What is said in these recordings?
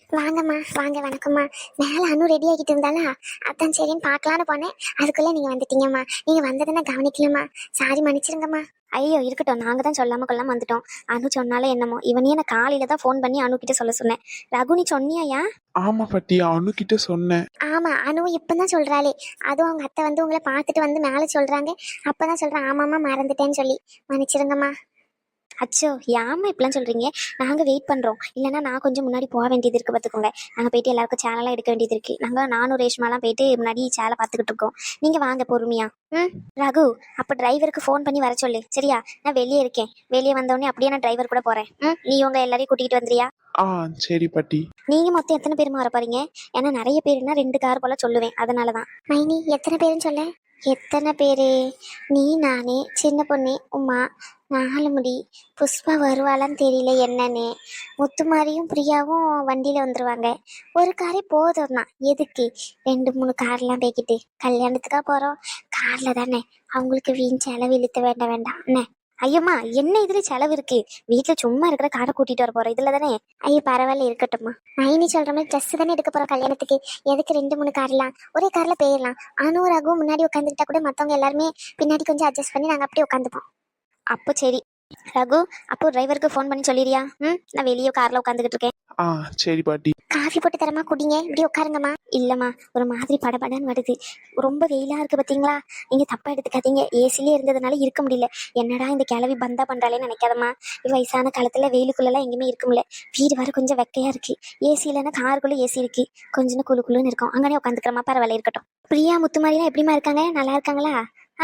வாங்கம்மா வாங்க, வணக்கம்மா. மேலே அனு ரெடி ஆகிட்டு இருந்தாளா, அதான் சரின்னு பார்க்கலான்னு போனேன். அதுக்குள்ளே நீங்கள் வந்துட்டீங்கம்மா. நீங்கள் வந்ததுன்னா கவனிக்கலம்மா, சாரி மன்னிச்சிருங்கம்மா. ஐயோ இருக்கட்டும், நாங்கள் தான் சொல்லாமல் கொள்ளாமல் வந்துட்டோம். அனு சொன்னாலே என்னமோ, இவனையே நான் காலையில் தான் ஃபோன் பண்ணி அனு கிட்ட சொல்ல சொன்னேன். ரகு நீ சொன்னியா? ஆமா பாட்டி, அனு கிட்ட சொன்னேன். ஆமாம், அனு இப்போ தான் சொல்கிறாளே. அதுவும் அவங்க அத்தை வந்து உங்களை பார்த்துட்டு வந்து மேலே சொல்கிறாங்க. அப்போ தான் சொல்கிறேன், ஆமாம்மா மறந்துட்டேன்னு சொல்லி. மன்னிச்சிருங்கம்மா. அச்சோ ஏம்மா இப்படிலாம் சொல்கிறீங்க? நாங்கள் வெயிட் பண்ணுறோம். இல்லைன்னா நான் கொஞ்சம் முன்னாடி போக வேண்டியது இருக்குது, பார்த்துக்கோங்க. நாங்கள் போயிட்டு எல்லாருக்கும் சேனலாம் எடுக்க வேண்டியது இருக்குது. நானும் ரேஷ்மாலாம் போயிட்டு முன்னாடி சேலை பார்த்துக்கிட்டு இருக்கோம். நீங்கள் வாங்க பொறுமையா. ரகு, அப்போ டிரைவருக்கு ஃபோன் பண்ணி வர சொல்லு, சரியா? நான் வெளியே இருக்கேன். வெளியே வந்தோடனே அப்படியே நான் டிரைவர் கூட போகிறேன். நீ உங்கள் எல்லாரையும் கூட்டிகிட்டு வந்துறியா? சரி பாட்டி. நீங்கள் மொத்தம் எத்தனை பேருமா வர போறீங்க? ஏன்னா நிறைய பேருனா 2 கார் போல் சொல்லுவேன், அதனால தான். மைனி எத்தனை பேருன்னு சொல்ல? எத்தனை பேரு? நீ, நானே, சின்ன பொண்ணு, உமா, 4 முடி, புஷ்பா வருவாளான்னு தெரியல என்னன்னு. முத்துமாரியும் பிரியாவும் வண்டியில் வந்துடுவாங்க. ஒரு காரே போதும் தான். எதுக்கு 2-3 கார்லாம் போய்கிட்டு? கல்யாணத்துக்காக போகிறோம், காரில் தானே. அவங்களுக்கு வீண் செலவு இழுத்த வேண்டாம் என்ன? ஐயோம்மா, என்ன இதுல செலவு இருக்கு? வீட்டுல சும்மா இருக்கிற காரை கூட்டிட்டு வர போறோம், இதுல தானே. ஐயோ பரவாயில்ல, இருக்கட்டும்மா. மைனி சொல்ற மாதிரி ட்ரெஸ் தானே எடுக்க போறோம் கல்யாணத்துக்கு. எதுக்கு 2-3 கார்லாம்? ஒரே கார்ல போயிடலாம். அனு ரகு முன்னாடி உட்காந்துக்கிட்டா கூட மத்தவங்க எல்லாருமே பின்னாடி கொஞ்சம் அட்ஜஸ்ட் பண்ணி நாங்க அப்படியே உட்காந்துப்போம். அப்போ சரி ரகு, அப்போ டிரைவருக்கு ஃபோன் பண்ணி சொல்லிடுறியா? நான் வெளியே கார்ல உட்காந்துக்கிட்டு இருக்கேன். சரி பாட்டி. காஃபி போட்டு தரமா, குடிங்க, இப்படி உட்காருங்கம்மா. இல்லம்மா, ஒரு மாதிரி படபடன்னு வருது. ரொம்ப வெயிலா இருக்கு பாத்தீங்களா? நீங்க தப்பா எடுத்துக்காதீங்க. ஏசிலே இருந்ததுனால இருக்க முடியல. என்னடா இந்த கிளவி பந்தா பண்றாளேன்னு நினைக்காதம்மா. வயசான காலத்துல வெயிலுக்குள்ளெல்லாம் எங்கேயுமே இருக்க முடியல. வீடு வர கொஞ்சம் வெக்கையா இருக்கு. ஏசி இல்லைன்னா காருக்குள்ள ஏசி இருக்கு, கொஞ்சம் குழுக்குள்ளுன்னு இருக்கும். அங்கனே உட்காந்துக்கிறமா, பரவாயில்ல, இருக்கட்டும். பிரியா முத்துமாரிலாம் எப்படிமா இருக்காங்க? நல்லா இருக்காங்களா?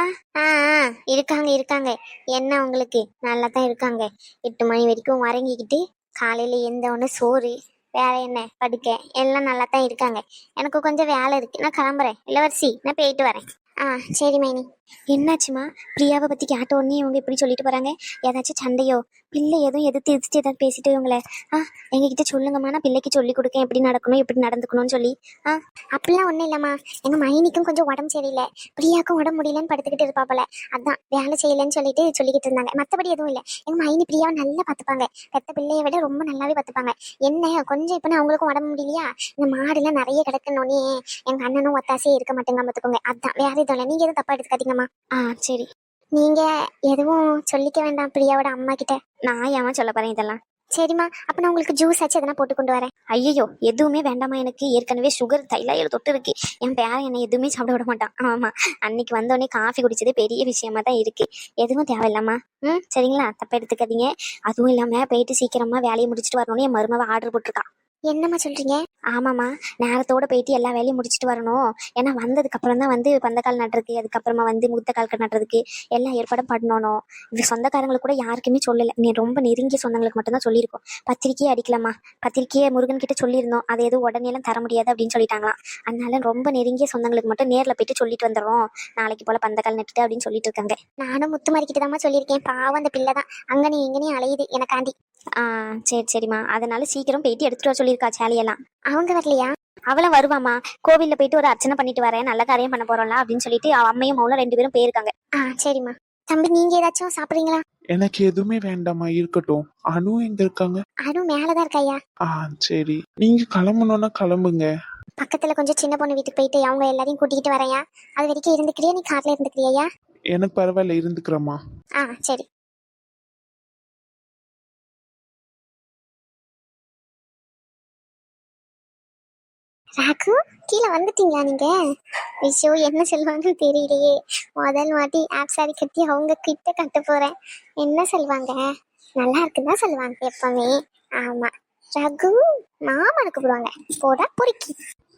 இருக்காங்க. என்ன உங்களுக்கு? நல்லா தான் இருக்காங்க. 8 மணி வரைக்கும் உறங்கிக்கிட்டு காலையில எந்த ஒன்று சோறு, வேற என்ன, படுக்க, எல்லாம் நல்லா தான் இருக்காங்க. எனக்கு கொஞ்சம் வேலை இருக்கு, நான் கிளம்புறேன். இளவரசி, நான் போயிட்டு வரேன். சரி மைனி. என்னாச்சுமா? பிரியாவை பத்தி கேட்ட உடனே இவங்க இப்படி சொல்லிட்டு போறாங்க. ஏதாச்சும் சண்டையோ? பிள்ளை எதுவும் எதிர்த்து ஏதாவது பேசிட்டு இவங்கள எங்ககிட்ட சொல்லுங்கம்மா, நான் பிள்ளைக்கு சொல்லி கொடுக்கேன் எப்படி நடக்கணும் எப்படி நடந்துக்கணும்னு சொல்லி. அப்படிலாம் ஒன்றும் இல்லைம்மா. எங்க மைனிக்கும் கொஞ்சம் உடம்பு சரியில்லை, பிரியாவுக்கும் உடம்பு முடியலன்னு படுத்துக்கிட்டு இருப்பாப்பல. அதான் வேலை செய்யலைன்னு சொல்லிக்கிட்டு இருந்தாங்க. மற்றபடி எதுவும் இல்லை. எங்க மைனி பிரியாவை நல்லா பார்த்துப்பாங்க. பெத்த பிள்ளையை விட ரொம்ப நல்லாவே பார்த்துப்பாங்க. என்ன கொஞ்சம் இப்போ அவங்களுக்கும் உடம்பு முடியலையா, இந்த மாடுலாம் நிறைய கிடக்கணுன்னே எங்க அண்ணனும் ஒத்தாசையே இருக்க மாட்டேங்க, பார்த்துக்கோங்க. அதான் வேற எதுவும் இல்லை. நீங்க எதுவும் தப்பா எடுத்துக்காதீங்கம்மா. சரி. நீங்க எதுவும் சொல்லிக்க வேண்டாம் பிரியாவோட அம்மா கிட்ட. நான் ஏன் சொல்ல போறேன் இதெல்லாம்? சரிம்மா, அப்ப நான் உங்களுக்கு ஜூஸ் ஆச்சு எதனா போட்டு கொண்டு வரேன். ஐயோ எதுவுமே வேண்டாமா, எனக்கு ஏற்கனவே சுகர் தைலாயிரம் தொட்டு இருக்கு. என் பேரன் என்னை எதுவுமே சாப்பிட விட மாட்டான். ஆமா, அன்னைக்கு வந்தோடனே காஃபி குடிச்சதே பெரிய விஷயமா தான் இருக்கு. எதுவும் தேவையில்லாமா. சரிங்களா, தப்பா எடுத்துக்காதீங்க. அதுவும் இல்லாம போயிட்டு சீக்கிரமா வேலையை முடிச்சுட்டு வரணும்னு என் மருமவ ஆர்டர் போட்டிருக்கா. என்னம்மா சொல்றீங்க? ஆமாம்மா, நேரத்தோட போயிட்டு எல்லா வேலையும் முடிச்சுட்டு வரணும். ஏன்னா வந்ததுக்கு அப்புறம் தான் வந்து பந்தக்கால் நடுறதுக்கு, அதுக்கப்புறமா வந்து முத்தக்கால் நடுறதுக்கு எல்லாம் ஏற்பாடும் பண்ணணும். இது சொந்தக்காரங்களுக்கு கூட யாருக்குமே சொல்லலை. நீ ரொம்ப நெருங்கிய சொந்தங்களுக்கு மட்டும்தான் சொல்லியிருக்கோம். பத்திரிக்கையே அடிக்கலாமா, பத்திரிக்கையை முருகன் கிட்ட சொல்லியிருந்தோம். அதை எதுவும் உடனேலாம் தர முடியாது அப்படின்னு சொல்லிட்டாங்களாம். அதனால ரொம்ப நெருங்கிய சொந்தங்களுக்கு மட்டும் நேரில் போயிட்டு சொல்லிட்டு வந்துடுறோம். நாளைக்கு போல பந்தக்கால் நட்டுட்டு அப்படின்னு சொல்லிட்டு இருக்காங்க. நானும் முத்துமாரிக்கிட்டு தான் சொல்லியிருக்கேன். பாவம் அந்த பிள்ளை தான் அங்கனே இங்கனே அலையுது எனக்காண்டி. சரிம்மா, அதனால சீக்கிரம் போயிட்டு எடுத்துட்டு வர சொல்லியிருக்கா சேலையெல்லாம். அவங்க வரலையா? அவளும் வருவாமா. கோவில்ல போயிட்டு ஒரு அர்ச்சனை பண்ணிட்டு வரேன், நல்ல காரியம் பண்ண போறோம்ல அப்படின்னு சொல்லிட்டு அம்மையும் அவளும் 2 பேரும் போயிருக்காங்க. சரிம்மா. தம்பி, நீங்க ஏதாச்சும் சாப்பிடுறீங்களா? எனக்கு எதுவுமே வேண்டாமா, இருக்கட்டும். அனு எங்க இருக்காங்க? அனு மேலதான் இருக்காயா. சரி, நீங்க கிளம்பணும்னா கிளம்புங்க. பக்கத்துல கொஞ்சம் சின்ன பொண்ணு வீட்டுக்கு போயிட்டு அவங்க எல்லாரையும் கூட்டிகிட்டு வரையா. அது வரைக்கும் இருந்துக்கிறியா? நீ கார்ல இருந்துக்கிறியா? எனக்கு பரவாயில்ல, இருந்துக்கிறேம்மா. சரி. ராகு, கீழே வந்துட்டீங்களா நீங்க? ஐயோ என்ன சொல்லுவாங்கன்னு தெரியலையே. முதல் வாட்டி ஆப் சாரி கட்டி அவங்க கிட்ட கட்ட போறேன். என்ன சொல்லுவாங்க? நல்லா இருக்குதான் சொல்லுவாங்க எப்பவுமே. ஆமா, ரகு மாமனுக்கு கூப்பிடுவாங்க. போடா பொறுக்கி.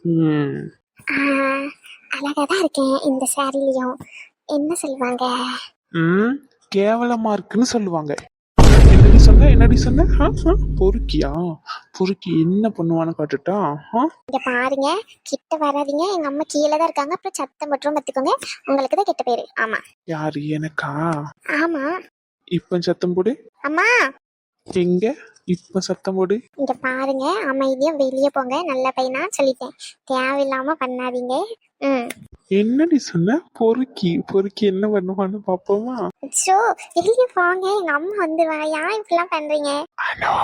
அழகாதான் இருக்கேன் இந்த சாரிலையும். என்ன சொல்லுவாங்க? கேவலமா இருக்குன்னு சொல்லுவாங்க. என்னடி சொன்ன? பொறுக்கியா? பொறுக்கி என்ன பண்ணுவான்னு காட்டுட்டா? இங்க பாருங்க, கிட்ட வராதீங்க. எங்க அம்மா கீழே தான் இருக்காங்க. அப்புறம் சத்தம் மட்டும் கத்துக்கோங்க, உங்களுக்கு தான் கெட்ட பேரு. ஆமா. யாரு, எனக்கா? ஆமா. இப்ப சத்தம் போடு. அம்மா எங்க? இப்ப சத்தம் போடு. இங்க பாருங்க, அமைதியா வெளியே போங்க. நல்ல பையனா சொல்லிட்டேன், தேவையில்லாம பண்ணாதீங்க. என்னடி சொன்ன? பொறுக்கி பொறுக்கி என்ன பண்ணுவான்னு பாப்போமா? வெளியே போங்க, எங்க அம்மா வந்துருவா. ஏன் இப்படிலாம் பண்றீங்க?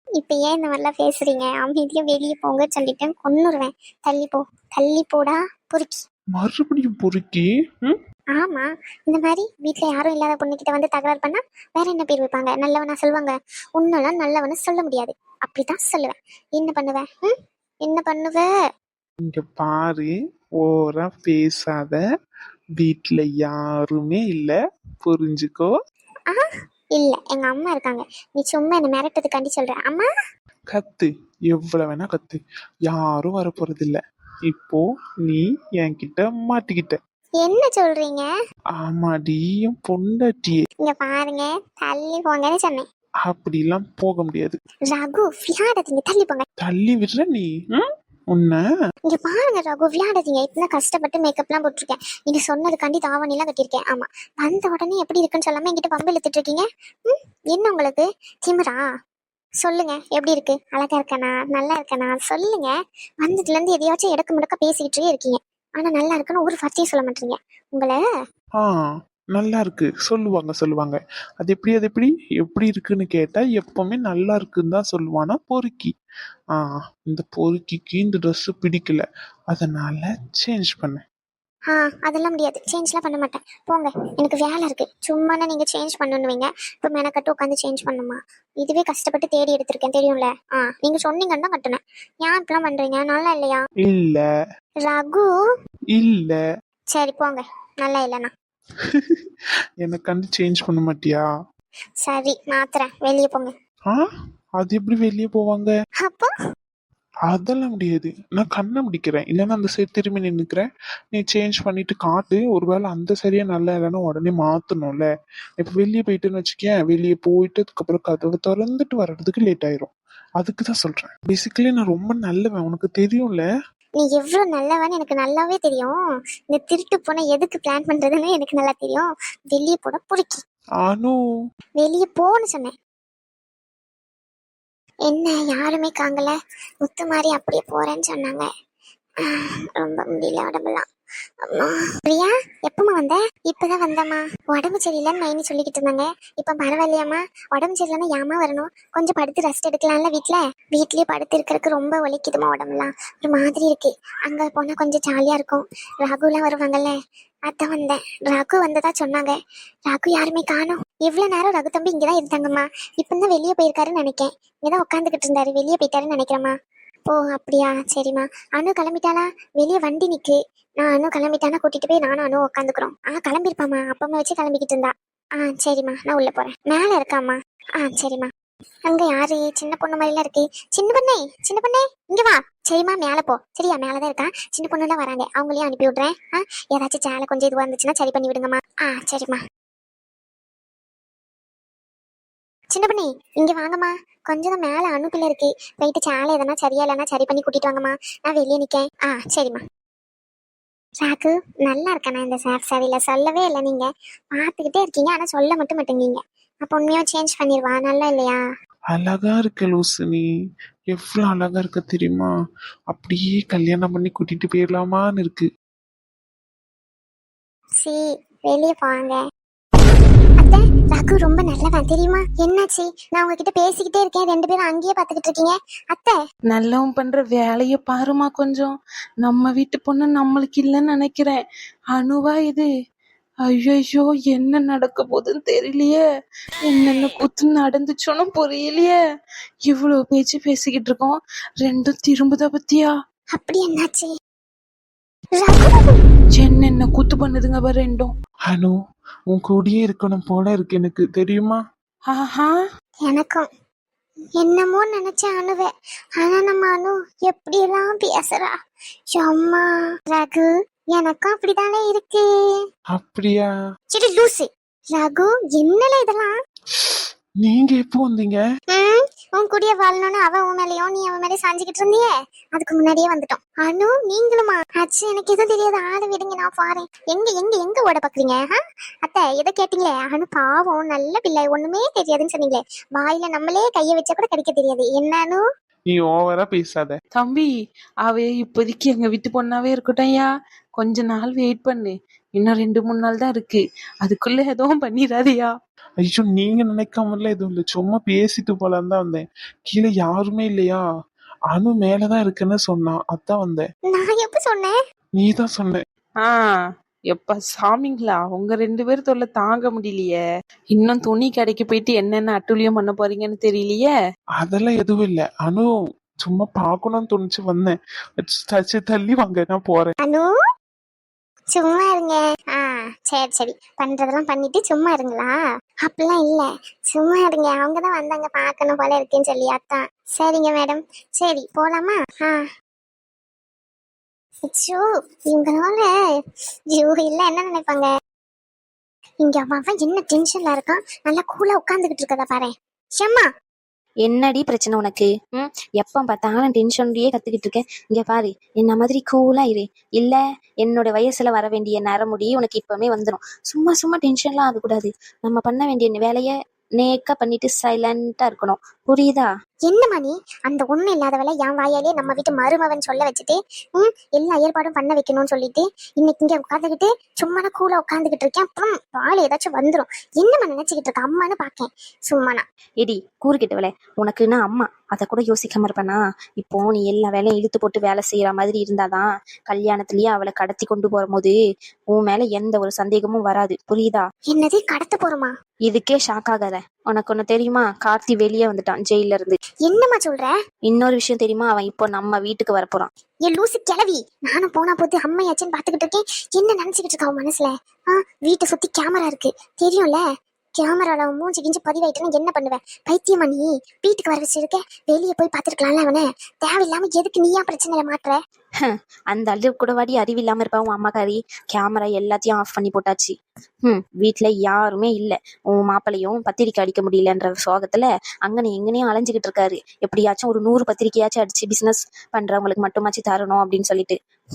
இப்ப ஏன் இந்த மாதிரிலாம் பேசுறீங்க? அமைதியா வெளியே போங்க சொல்லிட்டேன், கொன்னுருவேன். தள்ளி போ, தள்ளி போடா பொறுக்கி. மறுபடியும் பொறுக்கி. ம். ஆமா, இந்த மாதிரி வீட்ல யாரும் இல்லாத பொண்ணுகிட்ட வந்து தகராறு பண்ணா வேற என்ன பேர் வைப்பாங்க? நல்லவனா சொல்லுவாங்க? உன்னெல்லாம் நல்லவனு சொல்ல முடியாது, அப்படிதான் சொல்லுவேன். என்ன பண்ணுவேன்? என்ன பண்ணுவ? இங்க பாரு, ஓரா பேசாத. வீட்ல யாருமே இல்ல, புரிஞ்சுக்கோ. ஆ, இல்ல, எங்க அம்மா இருக்காங்க. நீ சும்மா என்ன மிரட்டதுக்காண்டி சொல்ற. அம்மா, கத்து, எவ்வளவு வேணா கத்து, யாரும் வர போறது இல்ல. இப்போ நீ என்கிட்ட மாட்டிக்கிட்ட. என்ன சொல்றீங்க? ஆமாடி, என் பொண்டாட்டியே. இங்க பாருங்க, தள்ளி போங்கன்னு சொன்னேன். அப்படிலாம் போக முடியாது. ரகு, விளையாடாதீங்க, தள்ளி போங்க. தள்ளி விடுற நீ. ம்? உன்ன இங்க பாருங்க ரகு, விளையாடாதீங்க. இப்பதான் கஷ்டப்பட்டு மேக்கப்லாம் போட்டிருக்கேன். நீங்க சொன்னதுக்காண்டி தாவணி எல்லாம் கட்டியிருக்கேன். ஆமா, வந்த உடனே எப்படி இருக்குன்னு சொல்லாம என்கிட்ட பம்பு இழுத்துட்டு இருக்கீங்க. என்ன உங்களுக்கு திமிரா? சொல்லுங்க, எப்படி இருக்கு? அழகா இருக்கனா, நல்லா இருக்கனா? சொல்லுங்க. வந்ததுல இருந்து எதையாச்சும் எடுக்க முடக்க பேசிக்கிட்டே இருக்கீங்க. ஆனா நல்லா இருக்குன்னு ஒரு வார்த்தையும் சொல்ல மாட்டீங்க. உங்களை ஆ நல்லா இருக்கு சொல்லுவாங்க சொல்லுவாங்க. அது எப்படி எப்படி இருக்குன்னு கேட்டா எப்பவுமே நல்லா இருக்குன்னு தான் சொல்லுவானா பொறுக்கி. ஆ இந்த பொறுக்கிக்கு இந்த Dress பிடிக்கல, அதனால சேஞ்ச் பண்ணேன். அதெல்லாம் முடியாது, சேஞ்ச்லாம் பண்ண மாட்டேன். போங்க, எனக்கு வேலை இருக்கு. சும்மானா நீங்க சேஞ்ச் பண்ணணுவீங்க, இப்போ மெனக்கட்டு உட்காந்து சேஞ்ச் பண்ணுமா? இதுவே கஷ்டப்பட்டு தேடி எடுத்திருக்கேன், தெரியும்ல. நீங்க சொன்னீங்கன்னு தான் கட்டுனேன். ஏன் இப்பெல்லாம் பண்றீங்க? நல்லா இல்லையா? இல்ல ரகு, இல்ல. சரி போங்க, நல்லா இல்லைண்ணா. எனக்கு கண்டு சேஞ்ச் பண்ண மாட்டியா? சரி, மாத்துறேன், வெளியே போங்க. ஆ அது எப்படி வெளியே போவாங்க? அப்போ அதெல்லாம் முடியாது, நான் கண்ணை முடிக்கிறேன், இல்லைன்னா அந்த சைடு திரும்பி நின்னுக்கிறேன். நீ சேஞ்ச் பண்ணிட்டு காட்டு. ஒருவேளை அந்த சரியா நல்லா இல்லைன்னா உடனே மாத்தணும்ல. இப்ப வெளியே போயிட்டுன்னு வச்சுக்கேன், வெளியே போயிட்டு அதுக்கப்புறம் கதவை திறந்துட்டு வர்றதுக்கு லேட் ஆயிரும். அதுக்கு தான் சொல்றேன். பேசிக்கலி நான் ரொம்ப நல்லவன், உனக்கு தெரியும்ல. நீ எவ்வளவு நல்லவன்னு எனக்கு நல்லாவே தெரியும். இந்த திருட்டு போன எதுக்கு பிளான் பண்றதுன்னு எனக்கு நல்லா தெரியும். வெளியே போட பிடிக்கி. ஆனு. வெளியே போன்னு சொன்னேன். என்ன யாருமே காங்கல? முத்து மாதிரி அப்படியே போறேன்னு சொன்னாங்க. ரொம்ப முடியல உடம்பெல்லாம். அம்மா, பிரியா, எப்பமா வந்த? இப்பதான் வந்தம்மா. உடம்பு சரியில்லைன்னு மைனி சொல்லிக்கிட்டு இருந்தாங்க. இப்ப பரவாயில்லையாம்மா? உடம்பு சரியில்லைன்னா ஏமா வரணும்? கொஞ்சம் படுத்து ரெஸ்ட் எடுக்கலாம்ல. வீட்லயே படுத்து இருக்கிறதுக்கு ரொம்ப வலிக்குதுமா உடம்புலாம். ஒரு மாதிரி இருக்கு. அங்க போனா கொஞ்சம் ஜாலியா இருக்கும். ராகுலாம் வருவாங்கல்ல, அதான் வந்தேன். ரகு வந்ததா சொன்னாங்க. ரகு யாருமே காணோம். இவ்வளவு நேரம் ரகு தம்பி இங்கதான் இருந்தாங்கம்மா. இப்பதான் வெளியே போயிருக்காருன்னு நினைக்கேன். இங்கதான் உட்காந்துக்கிட்டு இருந்தாரு, வெளியே போயிட்டாருன்னு நினைக்கிறேம்மா. ஓ அப்படியா, சரிம்மா. அனு கிளம்பிட்டாளா? வெளியே வண்டி நிக்கு. நான் அனு கிளம்பிட்டானா கூட்டிட்டு போய் நானும் அனு உட்காந்துக்கிறோம். கிளம்பிருப்பாம்மா, அப்பமா வச்சு கிளம்பிக்கிட்டு இருந்தா. சரிம்மா, நான் உள்ள போறேன். மேல இருக்காம்மா. சரிம்மா. அங்க யாரு? சின்ன பொண்ணு மாதிரிலாம் இருக்கு. சின்ன பொண்ணே, சின்ன பொண்ணே, இங்க வா. சரிம்மா, மேல போ. சரியா, மேலதான் இருக்கா. சின்ன பொண்ணு எல்லாம் வராங்க, அவங்களையும் அனுப்பி விடுறேன். ஏதாச்சும் சேலை கொஞ்சம் இதுவா இருந்துச்சுன்னா சரி பண்ணி விடுங்கம்மா. சரிம்மா. சின்ன பொண்ணே, இங்க வாங்கம்மா. கொஞ்சம் தான் மேல அனுப்பில இருக்கு. போயிட்டு சேலை எதனா சரியா இல்லைன்னா சரி பண்ணி கூட்டிட்டு வாங்கம்மா. நான் வெளியே நிக்கேன். சரிம்மா. சாக்கு, நல்லா இருக்கண்ணா இந்த சாரியில. சொல்லவே இல்லை, நீங்க பார்த்துக்கிட்டே இருக்கீங்க ஆனா சொல்ல மட்டும் மாட்டேங்கீங்க. அப்போ உண்மையா சேஞ்ச் பண்ணிடுவா, நல்லா இல்லையா? அழகா இருக்க லூசு நீ. எவ்வளவு அழகா இருக்க தெரியுமா? அப்படியே கல்யாணம் பண்ணி கூட்டிட்டு போயிடலாமான்னு இருக்கு. சி, வெளியே போவாங்க. அத்தை, ரகு ரொம்ப நல்லவன் தெரியுமா? என்னாச்சு? நான் உங்ககிட்ட பேசிக்கிட்டே இருக்கேன், ரெண்டு பேரும் அங்கேயே பாத்துக்கிட்டு இருக்கீங்க. அத்தை, நல்லவன் பண்ற வேலைய பாருமா கொஞ்சம். நம்ம வீட்டு பொண்ணு நம்மளுக்கு இல்லைன்னு நினைக்கிறேன். அணுவா இது? ஐயோ, என்ன நடக்க போகுதுன்னு தெரியலையே. என்னென்ன கூத்து நடந்துச்சோன்னு புரியலையே. இவ்வளவு பேச்சு பேசிக்கிட்டு இருக்கோம், ரெண்டும் திரும்புதா பத்தியா? அப்படி என்னாச்சு? என்னென்ன கூத்து பண்ணுதுங்க பாரு ரெண்டும். அனு, உன் கூடயே இருக்கணும் போல இருக்கு எனக்கு, தெரியுமா? ஆஹா, எனக்கும் என்னமோ நினைச்சேன் அணுவே. ஆனா நம்ம அனு எப்படியெல்லாம் பேசுறா. அம்மா, ரகு எனக்கும் அப்படித்தானே இருக்கு. அப்படியா? சரி லூசு. ரகு, என்னல இதெல்லாம்? நீங்க எப்போ வந்தீங்க? உன் கூடிய வாழணும்னு அவ உன் மேலயும் நீ அவன் மேலே சாஞ்சிக்கிட்டு இருந்தியே, அதுக்கு முன்னாடியே வந்துட்டோம். அனு, நீங்களுமா? அச்சு, எனக்கு எதுவும் தெரியாது, ஆளை விடுங்க, நான் பாறேன். எங்க எங்க எங்க ஓட பாக்குறீங்க? அத்தை, எதை கேட்டீங்களே? அனு பாவம், நல்ல பிள்ளை, ஒண்ணுமே தெரியாதுன்னு சொன்னீங்களே. வாயில நம்மளே கைய வச்சா கூட கிடைக்க தெரியாது. என்னன்னு? நீ ஓவரா பேசாத தம்பி, அவ இப்போதைக்கு எங்க வீட்டு பொண்ணாவே இருக்கட்டும். கொஞ்ச நாள் வெயிட் பண்ணு. இன்னும் 2-3 நாள் தான் இருக்கு. அதுக்குள்ள எதுவும் பண்ணிடாதியா. ஐயோ நீங்க நினைக்காமலாம் எதுவும் இல்லை, சும்மா பேசிட்டு போலான்னு தான் வந்தேன். கீழே யாருமே இல்லையா, அனு மேலதான் இருக்குன்னு சொன்னான், அதான் வந்தேன். நான் எப்ப சொன்னேன்? நீ தான் சொன்ன. எப்ப சாமிங்களா, உங்க 2 பேர் தொல்லை தாங்க முடியலையே. இன்னும் துணி கடைக்கு போயிட்டு என்னென்ன அட்டூழியம் பண்ண போறீங்கன்னு தெரியலையே. அதெல்லாம் எதுவும் இல்லை அனு, சும்மா பார்க்கணும்னு தோணுச்சு வந்தேன். சரி தள்ளி வாங்க, நான் போறேன். அனு சும்மா இருங்க. சரி சரி, பண்றதெல்லாம் பண்ணிட்டு சும்மா இருங்களா? அப்படிலாம் இல்ல, சும்மா இருங்க. அவங்கதான் வந்தாங்க, பார்க்கணும் போல இருக்குன்னு சொல்லி. அதான் சரிங்க மேடம், சரி போலாமா? அச்சோ இவங்களால ஐயோ இல்ல என்ன நினைப்பாங்க. இங்க அவன் என்ன டென்ஷன்ல இருக்கான், நல்லா கூலா உட்காந்துக்கிட்டு இருக்கதா பாரு. ஷம்மா என்னடி பிரச்சனை உனக்கு? எப்ப பார்த்தாலும் டென்ஷன்லயே கத்துக்கிட்டு இருக்கேன். இங்க பாரு, என்ன மாதிரி கூலா இரு. இல்ல என்னோட வயசுல வர வேண்டிய நரமுடி உனக்கு இப்பவுமே வந்துடும். சும்மா சும்மா டென்ஷன்லாம் ஆகக்கூடாது. நம்ம பண்ண வேண்டிய வேலைய நேக்கா பண்ணிட்டு சைலண்டா இருக்கணும், புரியுதா? என்னம்மா நீ அந்த ஒண்ணும் இல்லாத வேலை என் வாயாலே நம்ம வீட்டு மருமவன் சொல்ல வச்சுட்டு எல்லா ஏற்பாடும் பண்ண வைக்கணும்னு சொல்லிட்டு இன்னைக்கு இங்க உட்காந்துக்கிட்டு சும்மா கூல உட்காந்துக்கிட்டு இருக்கேன். அப்புறம் பால் ஏதாச்சும் வந்துடும். என்னம்மா நினைச்சுக்கிட்டு இருக்க? அம்மான்னு பாக்கேன் சும்மானா. எடி கூறுகிட்ட வேலை, உனக்குன்னா அம்மா அதை கூட யோசிக்காம இருப்பேனா? இப்போ நீ எல்லா வேலையும் இழுத்து போட்டு வேலை செய்யற மாதிரி இருந்தாதான் கல்யாணத்திலயே அவளை கடத்தி கொண்டு போகும்போது உன் மேல எந்த ஒரு சந்தேகமும் வராது, புரியுதா? என்னது கடத்த போறோமா? இதுக்கே ஷாக் ஆகாத. உனக்கு ஒண்ணு தெரியுமா? கார்த்தி வெளியே வந்துட்டான் ஜெயில இருந்து. என்னம்மா சொல்ற? இன்னொரு விஷயம் தெரியுமா? அவன் இப்போ நம்ம வீட்டுக்கு வரப்போறான். என் லூசு கிளவி, நானும் போனா போது அம்மையாச்சுன்னு பாத்துக்கிட்டு இருக்கேன். என்ன நினைச்சுக்கிட்டு இருக்கா அவன் மனசுல? வீட்டை சுத்தி கேமரா இருக்கு தெரியும்ல. கேமரால மூஞ்சி கிஞ்சி பதிவாயிட்டுன்னு என்ன பண்ணுவேன்? பைத்தியமா நீ? வீட்டுக்கு வர வச்சிருக்க, வெளியே போய் பாத்துருக்கலாம்ல அவனை. தேவையில்லாம எதுக்கு நீயா பிரச்சனையில மாட்டுற? அந்த அளவு கூட வாடி அறிவில்லாம இருப்பா உன் அம்மாக்காரி. கேமரா எல்லாத்தையும் ஆஃப் பண்ணி போட்டாச்சு. வீட்டுல யாருமே இல்ல. உன் மாப்பிளையும் பத்திரிக்கை அடிக்க முடியலன்ற சோகத்துல அங்கனே எங்கனையும் அலைஞ்சுக்கிட்டு இருக்காரு. எப்படியாச்சும் ஒரு 100 பத்திரிக்கையாச்சும் அடிச்சு பிசினஸ் பண்றவங்களுக்கு மட்டுமாச்சு தரணும் அப்படின்னு சொல்லிட்டு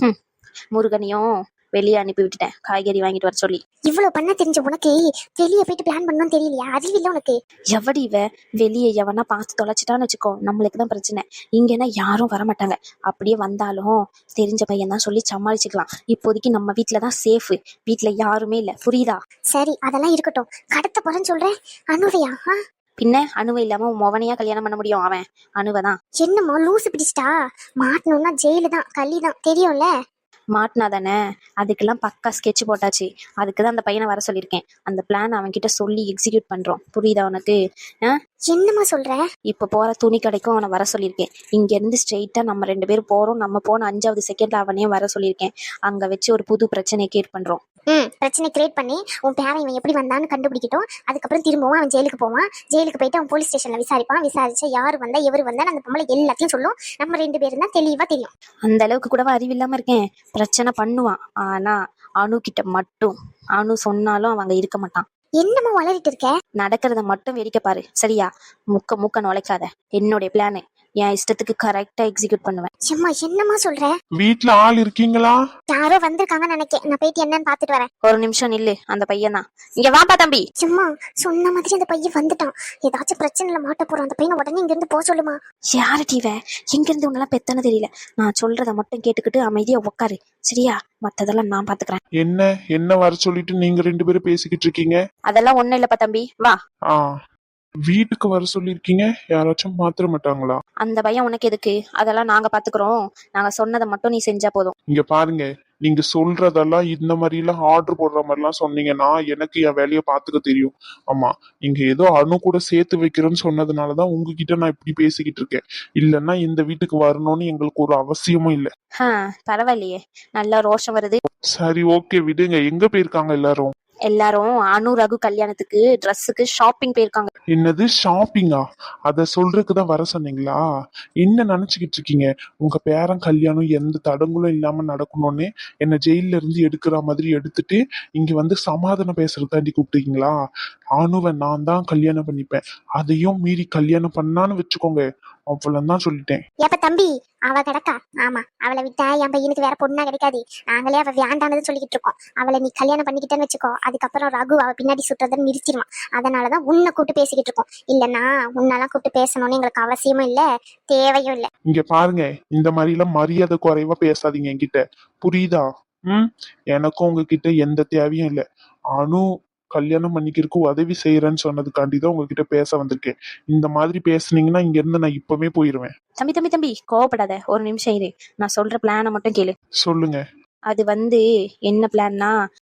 முருகனையும் வெளியே அனுப்பி விட்டுட்டேன், காய்கறி வாங்கிட்டு வர சொல்லி. இவ்வளவு பண்ண தெரிஞ்ச உனக்கு வெளியே போயிட்டு பிளான் பண்ணணும் தெரியலையா? அறிவு இல்ல உனக்கு. எவடி இவ? வெளியே எவனா பார்த்து தொலைச்சிட்டான்னு வச்சுக்கோ, நம்மளுக்கு தான் பிரச்சனை. இங்கன்னா யாரும் வரமாட்டாங்க. அப்படியே வந்தாலும் தெரிஞ்ச பையன் தான் சொல்லி சமாளிச்சுக்கலாம். இப்போதைக்கு நம்ம வீட்டுலதான் சேஃப். வீட்டுல யாருமே இல்ல, புரியுதா? சரி அதெல்லாம் இருக்கட்டும். கடத்த போறேன்னு சொல்றேன், அனுவையா? பின்ன அணுவை இல்லாம மொவனையா கல்யாணம் பண்ண முடியும்? அவன் அணுவதான். என்னமோ லூசு பிடிச்சிட்டா? மாட்டணும்னா ஜெயிலு தான், கள்ளி தான், தெரியும்ல. மாட்டினா தானே? அதுக்கெல்லாம் பக்கா ஸ்கெட்ச் போட்டாச்சு. அதுக்குதான் அந்த பையனை வர சொல்லியிருக்கேன். அந்த பிளான் அவன் கிட்ட சொல்லி எக்ஸிக்யூட் பண்றோம், புரியுதா உனக்கு? என்னமா சொல்ற? இப்ப போற துணி கடைக்கும் அவனை வர சொல்லியிருக்கேன். இங்க இருந்து ஸ்ட்ரெயிட்டா நம்ம 2 பேரும் போறோம். நம்ம போன 5வது செகண்ட்ல அவனையும் வர சொல்லியிருக்கேன். அங்க வச்சு ஒரு புது பிரச்சனையை கிரியேட் பண்றோம். பிரச்சனை கிரியேட் பண்ணி உன் பேரன் இவன் எப்படி வந்தான்னு கண்டுபிடிக்கட்டும். அதுக்கப்புறம் திரும்பவும் அவன் ஜெயிலுக்கு போவான். ஜெயிலுக்கு போயிட்டு அவன் போலீஸ் ஸ்டேஷன்ல விசாரிப்பான். விசாரிச்சா யாரு வந்தா எவரு வந்தா அந்த பொம்பளை எல்லாத்தையும் சொல்லும். நம்ம 2 பேரும் தான் தெளிவா தெரியும். அந்த அளவுக்கு கூடவா அறிவில்லாம இருக்கேன்? பிரச்சனை பண்ணுவான். ஆனா அணு கிட்ட மட்டும், அணு சொன்னாலும் அவங்க இருக்க மாட்டான். என்னமா வளரிட்டு இருக்க? நடக்கிறத மட்டும் வேடிக்கை பாரு, சரியா? முக்க நுழைக்காத. என்னுடைய பிளானு என் இஷ்டத்துக்கு கரெக்டா எக்ஸிக்யூட் பண்ணுவேன். சும்மா என்னமா சொல்ற? வீட்டுல ஆள் இருக்கீங்களா? யாரோ வந்திருக்காங்கன்னு நினைக்கிறேன். நான் போயிட்டு என்னன்னு பாத்துட்டு வரேன். ஒரு நிமிஷம் நில்லு. அந்த பையன் தான். இங்க வாப்பா தம்பி. சும்மா சொன்ன மாதிரி அந்த பையன் வந்துட்டான். ஏதாச்சும் பிரச்சனைல மாட்ட போறான். அந்த பையனை உடனே இங்க இருந்து போக சொல்லுமா. யாரு டீவ? எங்க இருந்து உன்னெல்லாம் பெத்தன தெரியல. நான் சொல்றத மட்டும் கேட்டுக்கிட்டு அமைதியா உட்காரு, சரியா? மத்ததெல்லாம் நான் பாத்துக்கிறேன். என்ன வர சொல்லிட்டு நீங்க 2 பேரும் பேசிக்கிட்டு இருக்கீங்க? அதெல்லாம் ஒண்ணும் இல்லப்பா தம்பி, வா. வீட்டுக்கு வர சொல்லிருக்கீங்க, யாராச்சும் மாத்திர மாட்டாங்களா? அந்த பையன் உனக்கு எதுக்கு? அதெல்லாம் நாங்க பாத்துக்கிறோம். நாங்க சொன்னதை மட்டும் நீ செஞ்சா போதும். இங்க பாருங்க, நீங்க சொல்றதெல்லாம் இந்த மாதிரி எல்லாம் ஆர்டர் போடுற மாதிரி எல்லாம் சொன்னீங்கன்னா எனக்கு என் வேலையை பாத்துக்க தெரியும். ஆமா, நீங்க ஏதோ அணு கூட சேர்த்து வைக்கிறேன்னு சொன்னதுனாலதான் உங்ககிட்ட நான் இப்படி பேசிக்கிட்டு இருக்கேன். இல்லன்னா இந்த வீட்டுக்கு வரணும்னு எங்களுக்கு ஒரு அவசியமும் இல்ல. பரவாயில்லையே, நல்லா ரோஷம் வருது. சரி ஓகே விடுங்க. எங்க போயிருக்காங்க எல்லாரும்? எல்லாரும் அனு ரகு கல்யாணத்துக்கு ட்ரெஸ்ஸுக்கு ஷாப்பிங் போயிருக்காங்க. என்னது ஷாப்பிங்கா? அத சொல்றதுக்குதான் வர சொன்னீங்களா? என்ன நினைச்சுக்கிட்டு இருக்கீங்க? உங்க பேரன் கல்யாணம் எந்த தடங்களும் இல்லாம நடக்கணும்னு என்ன ஜெயில இருந்து எடுக்கிற மாதிரி எடுத்துட்டு இங்க வந்து சமாதானம் பேசுறதாண்டி கூப்பிட்டீங்களா? அனுவை நான் தான் கல்யாணம் பண்ணிப்பேன். அதையும் மீறி கல்யாணம் பண்ணான்னு வச்சுக்கோங்க, அவ்வளவுதான் சொல்லிட்டேன். ஏப்ப தம்பி, அவ கிடக்கா. ஆமா, அவளை விட்டா என் பையனுக்கு வேற பொண்ணா கிடைக்காது. நாங்களே அவ வேண்டானது சொல்லிக்கிட்டு இருக்கோம். அவளை நீ கல்யாணம் பண்ணிக்கிட்டேன்னு வச்சுக்கோ, அதுக்கப்புறம் ரகு அவ பின்னாடி சுட்டுறதுன்னு நிறுத்திடுவான். அதனாலதான் உன்னை கூப்பிட்டு பேசிக்கிட்டு இருக்கோம். இல்லன்னா உன்னெல்லாம் கூப்பிட்டு பேசணும்னு எங்களுக்கு அவசியமும் இல்ல, தேவையும் இல்ல. இங்க பாருங்க, இந்த மாதிரி எல்லாம் மரியாதை குறைவா பேசாதீங்க என்கிட்ட, புரியுதா? ம் எனக்கும் உங்ககிட்ட எந்த தேவையும் இல்லை. அனு கல்யாணம் பண்ணிக்கிறதுக்கு உதவி செய்யறேன்னு சொன்னதுக்காண்டி தான் உங்ககிட்ட பேச வந்திருக்கேன். இந்த மாதிரி பேசுனீங்கன்னா இங்க இருந்து நான் இப்பவே போயிருவேன். தம்பி தம்பி தம்பி கோவப்படாத, ஒரு நிமிஷம் இரு. நான் சொல்ற பிளானை மட்டும் கேளு. சொல்லுங்க. அது வந்து என்ன பிளான்னா,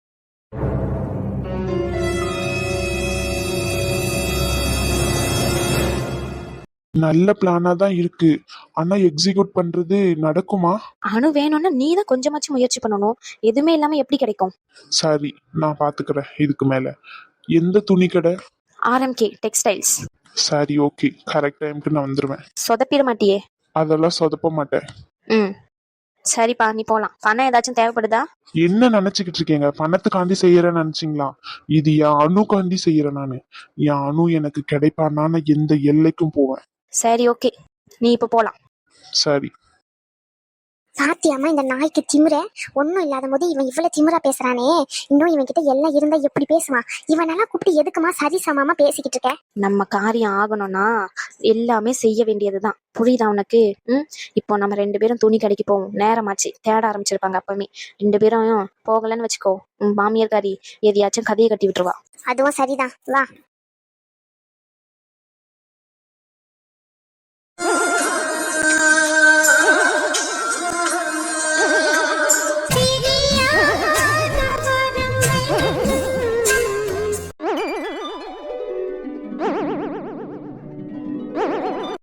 நல்ல பிளானா தான் இருக்கு. ஆனா எக்ஸிக்யூட் பண்றது நடக்குமா? அணு வேணும்னா நீ தான் கொஞ்சமாச்சும் முயற்சி பண்ணணும். எதுவுமே இல்லாம எப்படி கிடைக்கும்? சரி, நான் பாத்துக்கிறேன் இதுக்கு மேல. எந்த துணி கடை? RMK textiles. சரி, ஓகே, கரெக்ட் டைம்க்கு நான் வந்துருவேன். சொதப்பிட மாட்டியே? அதெல்லாம் சொதப்ப மாட்டேன். ம் சரிப்பா, நீ போலாம். பணம் ஏதாச்சும் தேவைப்படுதா? என்ன நினைச்சுக்கிட்டு இருக்கீங்க? பணத்துக்காண்டி செய்யறேன்னு நினைச்சீங்களா? இது என் அணுக்காண்டி செய்யறேன் நானு. என் அணு எனக்கு கிடைப்பான்னா நான் எந்த எல்லைக்கும் போவேன். சரி ஓகே, நீ இப்ப போலாம். சரி. சாத்தியமா இந்த நாய்க்கு திமிர ஒன்னும் இல்லாத போது இவன் இவ்வளவு திமிரா பேசுறானே. இன்னும் இவன் கிட்ட எல்லாம் இருந்தா எப்படி பேசுவான்? இவனெல்லாம் கூப்பிட்டு எதுக்குமா சரி சமமா பேசிக்கிட்டு இருக்க? நம்ம காரியம் ஆகணும்னா எல்லாமே செய்ய வேண்டியதுதான். புரியுதா உனக்கு? இப்போ நம்ம 2 பேரும் துணி கடைக்கு போவோம். நேரமாச்சு, தேட ஆரம்பிச்சிருப்பாங்க. அப்பவே 2 பேரும் போகலன்னு வச்சுக்கோ, உன் மாமியார்காரி எதையாச்சும் கதையை கட்டி விட்டுருவா. அதுவும் சரிதான், வா.